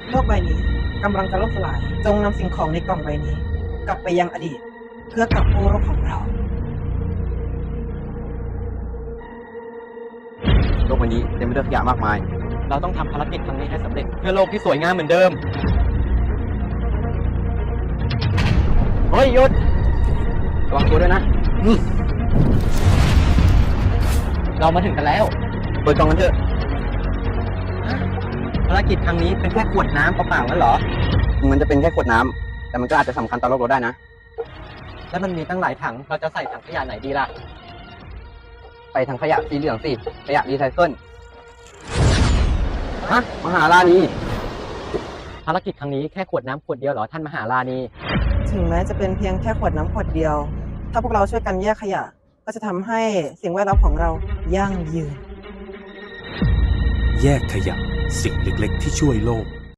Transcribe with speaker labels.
Speaker 1: โลกใบนี้กำลังจะล่มสลายจงนำสิ่งของในกล่องใบนี้ กลับไปยังอดีต เพื่อกลับกู้โลกของเรา
Speaker 2: โลกใบนี้เต็มไปด้วยขยะมากมาย
Speaker 3: เราต้องทำภารกิจครั้งนี้ให้สำเร็จเพื่อโลกที่สวยงามเหมือนเดิม เฮ้ยหยุด
Speaker 2: ระวังตัวด้วยนะ
Speaker 3: เรามาถึงกันแล้ว
Speaker 2: เปิดกล่องกันเถอะ
Speaker 3: ภารกิจครั้งนี้เป็นแค่ขวดน้ำเปล่าๆนั่นเหรอ
Speaker 2: มันจะเป็นแค่ขวดน้ำแต่มันก็อาจจะสำคัญต่อโลกเราได้นะ
Speaker 3: แล้วมันมีตั้งหลายถัง เราจะใส่ถังขยะไหนดีล่ะ
Speaker 2: ไปทางขยะสีเหลืองสิขยะรีไซเคิลฮะมหารานี
Speaker 3: ภารกิจครั้งนี้แค่ขวดน้ำขวดเดียวเหรอท่านมหาราณี
Speaker 1: ถึงแม้จะเป็นเพียงแค่ขวดน้ำขวดเดียว ถ้าพวกเราช่วยกันแยกขยะ ก็จะทำให้สิ่งแวดล้อมของเรายั่งยืน
Speaker 4: แยกขยะสิ่งเล็กๆที่ช่วยโลก